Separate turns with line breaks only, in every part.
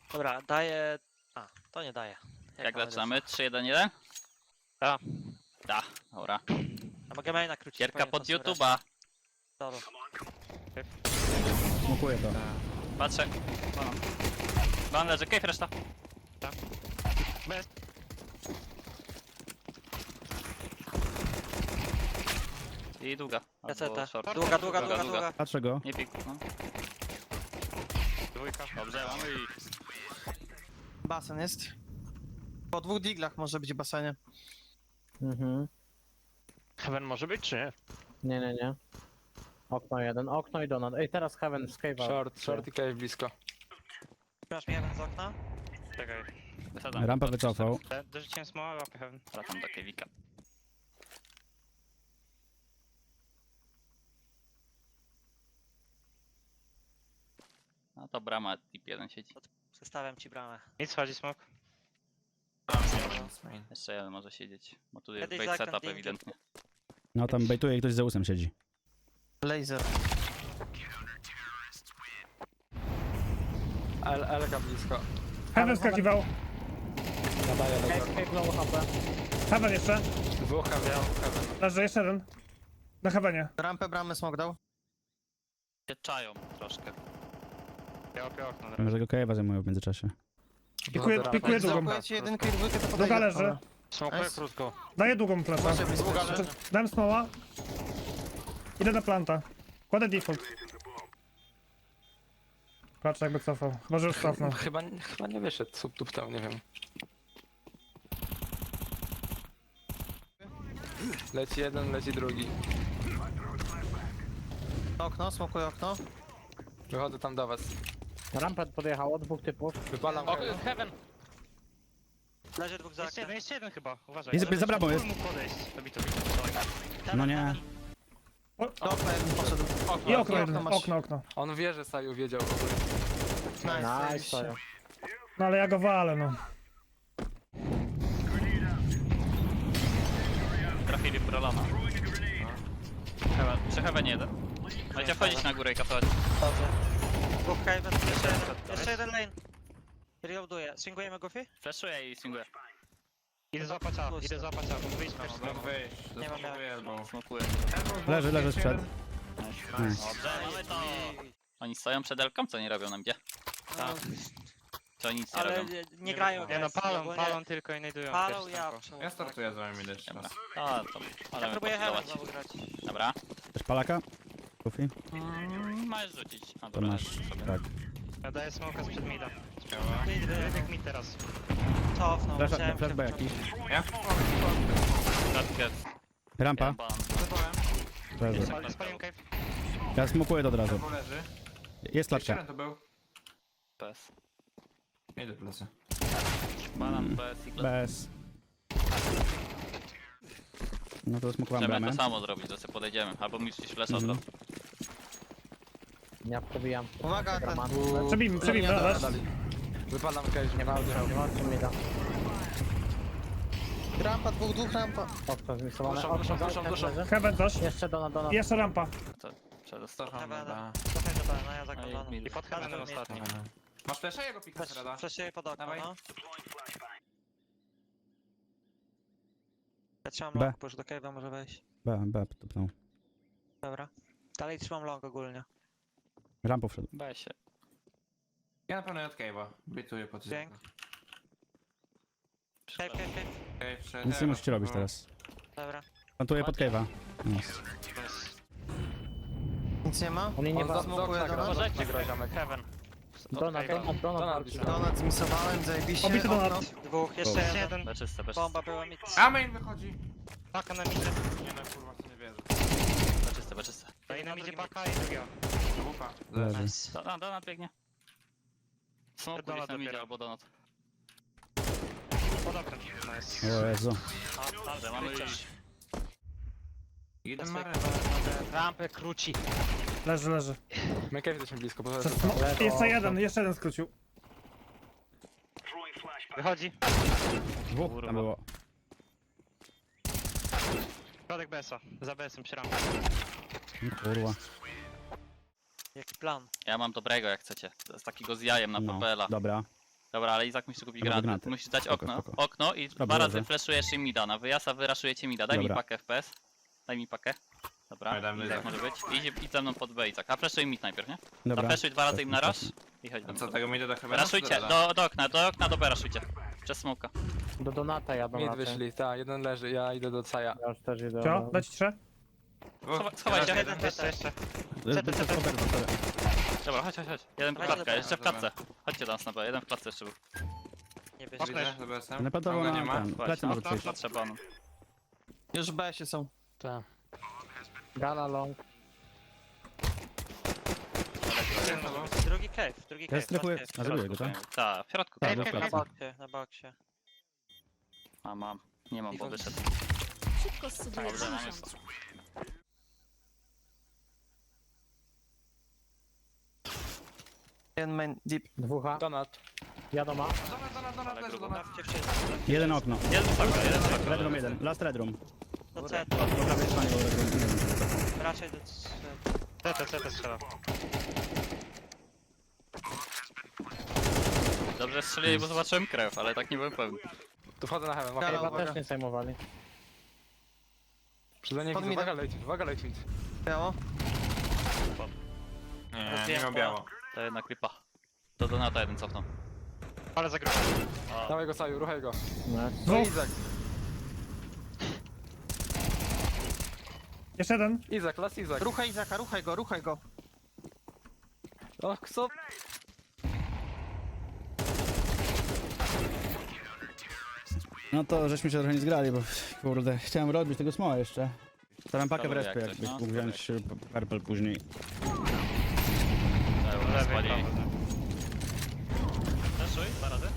Dobra, daję... A, to nie daje.
Jak
mamy
zaczynamy? 3-1-1?
Tak.
Da, dobra.
A mogę maina krócić.
Gierka
powiem,
pod
to są
YouTube'a.
resztę.
Smokuję to.
Patrzę. Ban leży, cave reszta.
Bez.
I długa.
Ja
Albo
CT.
short.
Długa, długa.
Patrzę go.
Nie pik. No.
Dwójka.
Dobrze, mamy i...
Basen jest. Po 2 diglach może być w basenie.
Heaven może być, czy nie?
Nie. Okno jeden, okno i donut. Ej, teraz Heaven z cave'a.
Short i cave blisko.
Masz mi jeden z okna?
Czekaj.
Wysadzam.
Rampa wycofał.
Dorzuciłem smoła, łapę Heaven.
Wracam do cave'ika. No to brama tip 1 siedzi.
Przestawiam ci bramę.
Nic, chodzi smok.
Jeszcze jeden może siedzieć. Bo tu jest
Kiedyś
bait
zakręt
setup
linkiem.
ewidentnie.
No tam bejtuje i ktoś z Zeusem siedzi.
Laser.
Elka blisko.
Heaven skakiwał.
Cave low HP.
Heaven jeszcze.
Dwóch heaven.
Leży jeszcze jeden. Na Heavenie.
Rampę bramy smok dał.
Się czają troszkę.
Ja łapię okno na razie.
Może go Cave'a zajmują w międzyczasie.
Pikuje długą.
Załkujecie jedynkę i dwójkę, to podejdę.
Długa leży.
Dobra.
Smokuję
Nice.
krótko.
Daję długą flasza.
Może być leży.
Dałem smoła. Idę na planta. Kładę default. Patrz jakby cofał. Chyba, że już cofnął.
Chyba nie wyszedł subtuptał, nie wiem. Leci jeden, leci drugi.
Okno, smokuję okno.
Wychodzę tam do was.
Rampę podjechało, dwóch typów.
Wypalam cave.
Heaven.
Leży dwóch za oknem.
Jeszcze jeden chyba, uważaj.
Jest za bramą jest.
Mógł podejść. To.
No nie.
Do okna jeden poszedł.
I okno
okno
jeden.
masz.
Okno.
On wie, że Saju wiedział w ogóle.
Nice,
Nice, to
No ale ja go walę, no.
Trafili prolona. Heaven. Przy Heavenie jeden. Będzie wchodzić na górę i kasować.
Dobrze. Dwóch Haven, jeszcze jeden. Jeszcze jeden lane. Reloaduję. Swingujemy Goofy?
Flashuję i swinguję.
Idę złapać A, idę złapać A. Wyjdź na
Nie mam jak.
Smokuję.
Leży sprzed.
Dobrze, mamy to. Oni stoją przed Elką, co nie robią na mnie?
No,
Co nic nie
ale
robią?
nie grają.
Nie no,
guys, ogólnie
palą tylko i znajdują.
Palą, ja przełom.
Ja startuję z wami idę jeszcze
Dobra.
raz.
A, to
Ja
ale
próbuję Heaven
pokilować.
znowu grać.
Dobra.
Też palaka? Kufi?
Możesz rzucić. A,
To
dobra,
masz.
sobie.
Tak.
Ja daję smoka sprzed mida.
Mid,
Jak mid teraz.
cofnął. musiałem
Flash
się
B jakiś.
Kratkę.
Rampa.
Ban.
Leży.
Spaliłem cave.
Ja smokuję to od razu.
Albo leży.
Jest
Jeszcze
klatka.
jeden to był.
Bez.
Idę w plecy.
Banan bez i
Bez. No to smokowałem
Możemy
bramę.
to samo zrobić, to sobie podejdziemy. Albo mi coś flash od razu.
Ja przebijam.
Uwaga, ten.
Roman.
Przebijmy, dasz.
Wypalam cave.
Nie walczę, mi da.
Rampa, dwóch rampa.
Okno zmiksowane.
Duszą,
Okno leży.
Heaven coś.
Jeszcze donut.
I jeszcze rampa.
Przedostał.
Cofam
Heaven.
na...
Cofaj do B, no ja zaglądam.
I
I pod Heavenem ostatni.
Masz flesza? Jego pika Rada.
Flashuję pod okno,
Dawaj.
no. Ja trzymam
B.
long, bo już do cave'a może wejść.
B, tupnął.
Dobra. Dalej trzymam long ogólnie.
Rampą wszedł.
Weź się.
Ja na pewno od Cave'a. Bytuję po tym.
Dzięk. Cave.
Cave wszedł.
Nic nie musicie robić teraz.
Dobra.
Plantuję pod Cave'a. Nice.
Nic nie ma.
Oni nie
On
ma.
Smokuję donut.
Możecie grać, Heaven.
Donut.
Donut zmisowałem, zajebiście.
Obity
Okno.
donut.
Dwóch, jeszcze
Dobra.
jeden.
Jeden.
Beczyste, beczyste.
Bomba była mi.
A main wychodzi.
Paka na midzie.
Nie no kurwa, w to nie wierzę.
Beczyste, beczyste.
No i na midzie paka i druga.
Wupa.
Leży.
Nice.
Donat biegnie. Smoku
Donat
gdzieś na midzie
dopiero.
albo donat.
Pod oknem. Nice.
O Jezu.
Dobrze, mamy już.
Jeden ma
Rampę króci.
Leży.
My cave jesteśmy blisko, bo
Jeszcze jeden skrócił.
Wychodzi.
Dwóch tam było.
Środek BS-a. Za BS-em przy rampie.
Kurwa.
Jaki plan?
Ja mam dobrego jak chcecie. To jest takiego z jajem na
No,
papela.
dobra.
Dobra, ale Izak musi kupić
Dobra,
granaty.
granaty.
Musisz dać
Spoko,
okno.
spoko.
Okno i
Dobra,
dwa razy
dobrze.
flashujesz im mida. Na wyjazd, a wy raszujecie mida. Daj mi
Dobra.
pakę FPS. Daj mi pakę. Dobra,
Daj, dam
i tak
Izak.
może być. Idź ze mną pod B, Izak. A flashuj mid najpierw, nie?
Dobra.
Zaflashuj dwa razy im na raz i chodź do
A
mnie.
co, tego mi do chyba?
Raszujcie, do okna, do B raszujcie. Przez smoka.
Do Donata jadą
Mid
raczej.
wyszli, tak, jeden leży, ja idę do Caja.
Ja już też idę.
Co? Dać 3?
Schowaj się.
Jeden
Jeszcze, jeszcze.
Dobra, chodź. Jeden w
Dawajcie
klatkę,
do
jeszcze w
dobra.
klatce. Chodźcie do nas na B, jeden w klatce jeszcze był.
Nie bierz.
Widzę, za BS-em.
Napadało
Tam go
na
nie ma.
ten. Plecy może przyjść.
Potrzeba on.
Już w BS-ie są.
Tak.
Gala long.
Drugi cave.
Ja strefuję.
last
A zrobię go, tak?
Tak, w środku.
Tak,
Tak,
do
Cave,
plecy.
cave.
Na boksie.
A mam. Nie mam, bo wyszedł.
Szybko zsubuję
Dobrze, mamy
50.
Jeden main deep.
Dwóch.
Donat.
Jadą ma.
Ale grubo.
Bawcie wszyscy.
Jeden okno.
Jeden paka, jeden paka.
Red room jeden. Last red room.
Do CT.
Po prawej stronie był red room. Nie wiem.
Raczej do CT.
CT strzela.
Dobrze strzelili, bo zobaczyłem krew, ale tak nie byłem pewny.
Tu wchodzę na heaven,
Gala,
okej.
Chyba
uwaga.
też nie zajmowali.
Przyznanie
Pod
widzę,
midem.
uwaga late mid.
Biało.
Nie miał biało.
To jednak lipa. Do Donata jeden cofnął.
Ale za grubą.
Dawaj go Saju, ruchaj go.
No.
No Izak.
Jeszcze jeden.
Izak, last Izak.
Ruchaj Izaka, ruchaj go.
O, kso?
No to żeśmy się trochę nie zgrali, bo kurde, chciałem robić tego smoła jeszcze. Staram pakę w
Dobra,
respie,
jak coś,
jakbyś
no,
mógł wziąć purple później.
Dobra, spalili. Fleszuj, dwa razy.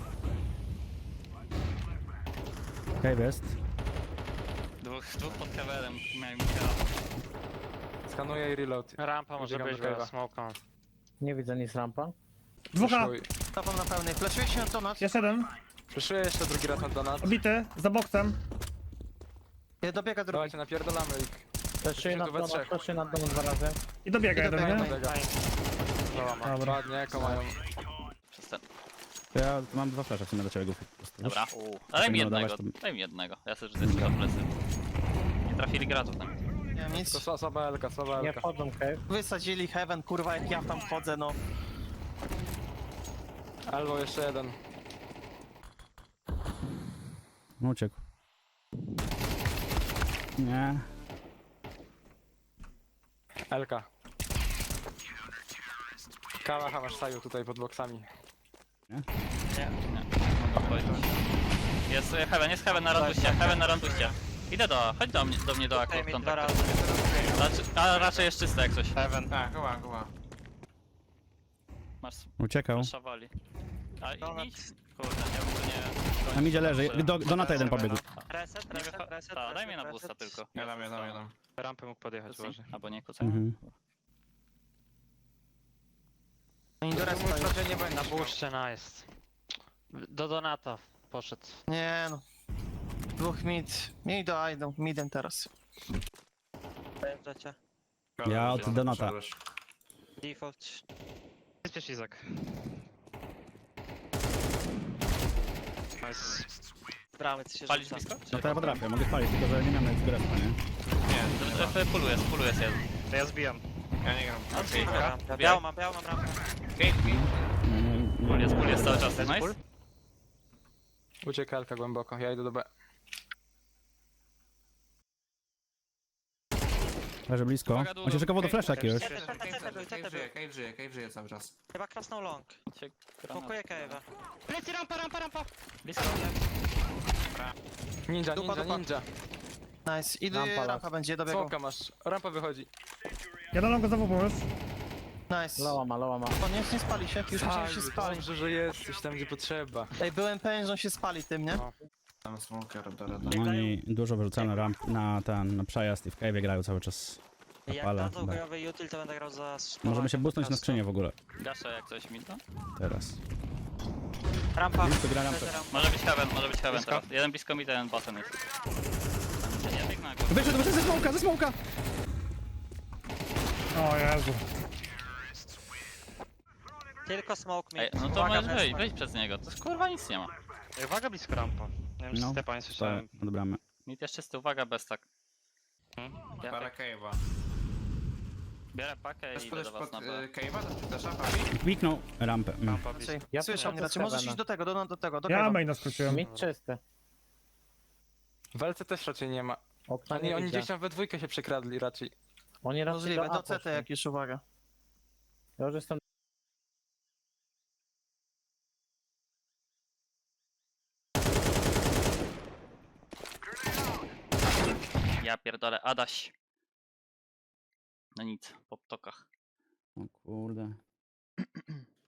Cave jest.
Dwóch pod kewerem miałem kill.
Skanuję i reload.
Rampa może
Biegam
być,
do
bo
cave'a.
smoke on.
Nie widzę nic rampa.
2.
Flashuj.
Topam na pełnej. Flashuje się na donat.
Jeszcze jeden.
Flashuję jeszcze drugi raz na donat.
Obity. Za boksem.
Dobiega drugi.
Dawajcie, napierdolamy ich.
Fleszuję na
tu we
donat,
trzech.
fleszuję na donat 2 razy.
I dobiega jeden,
dobiega
nie?
main.
Dobra.
Dobra.
Ładnie, jako mają.
Przez ten.
Ja mam 2 flasze w sumie do ciebie, Goofy. po prostu.
Dobra. Daj mi
Nie
jednego,
dawać, to-
daj mi jednego. Ja sobie rzucę jeszcze do plecy. Nie trafili gratów tam.
Nie mam nic.
To słaba Elka, słaba
Nie
Elka.
wchodzą cave.
Wysadzili heaven, kurwa, jak ja tam wchodzę, no.
Albo jeszcze jeden.
No uciekł. Nie.
Elka. Kałacha masz Saju tutaj pod boksami.
Nie, mogę powiedzieć. Jest heaven na randuście, heaven na randuście. Idę chodź do mnie do akru
Daj
w
mi 2
kontakt.
razy.
A raczej jest czyste jak coś.
Heaven.
Tak, goła.
Masz
Uciekał.
szawali. A
Donat.
idź. Kurde, ja bym go nie...
Na midzie leży. Do Nata jeden pobiegł.
Reset.
Ta, daj mnie na boosta tylko.
Ja dam.
Rampę mógł podjechać, uważaj.
Albo nie, kucaj.
Mhm.
Oni do respa już.
Na buszcie, nice. Do Donata poszedł.
Nie no. Dwóch mid. Miej do A idą. Midem teraz.
Dojeżdżacie.
Ja od Donata.
Default.
Jest Izak. Nice.
Bramy, ty się
Palić
rzuca.
blisko?
No to ja potrafię, mogę spalić, tylko że nie miałem nawet respa, nie?
Dobrze, puluje jest jeden.
To ja zbijam.
Ja nie gram.
Okej,
Rampa. Białą mam rampę.
Pul jest cały czas, nice.
Ucieka Elka głęboko, ja idę do B.
Leży blisko.
Uwaga, długo.
On się szykował do flasha jakiegoś.
Cave żyje cały czas.
Chyba krasnął long. Smokuję cave'a.
Plecy, rampa!
Blisko.
Ninja,
Dupa,
ninja,
dupa.
ninja.
Nice. Idę,
Rampa
rampa będzie, dobiegł.
Smoka masz, rampa wychodzi.
Ja dam go znowu pomóż.
Nice.
Loła ma.
On nie spali się, już myślałem, że się spali.
Dobrze, że jesteś tam, gdzie potrzeba.
Ej, byłem pewien, że on się spali tym, nie?
No.
Tam smoker do
Oni dużo wyrzucają na ramp, na przejazd i w cave'ie grają cały czas.
Jak
Pala,
dadzą
da.
bojowy util, to będę grał za...
Możemy się boostnąć na skrzynię w ogóle.
Gaszę jak coś mi to.
Teraz.
Rampa.
Blisko gra rampę.
Leży rampa.
Może być heaven teraz. Jeden blisko mi, jeden basen jest. Nie biegnę na górę.
Wyszedł ze smoka!
O Jezu.
Tylko smoke
Ej,
mid.
no to
Uwaga,
możesz
bez-
wyjść przez niego. To jest kurwa nic nie ma.
Ej, uwaga blisko rampa. Nie wiem, czy
No,
Stepa nie
To
słyszałem.
odbramy.
Mid jeszcze czysty, uwaga, bez tak. Ja
Parę
tak
cave'a.
biorę pakę
Chcesz
i idę
podejść
do was
pod
na B.
cave'a? To czy też Fabi?
Kliknął rampę.
Rampa blisko.
Ja
Słyszą
poszedłem
mnie, raczej
z
możesz
Heavena.
iść do tego, do tego, do
Ja
Cave'a.
maina skróciłem.
Mid czysty.
W LC też raczej nie ma.
Okna
Oni,
nie
oni
widzę.
gdzieś tam we dwójkę się przekradli raczej.
Oni raczej
Możliwe,
do A
do CT
poszli.
jakieś, uwaga.
Ja już jestem...
Ja pierdolę, Adaś. No nic, po ptokach.
O kurde.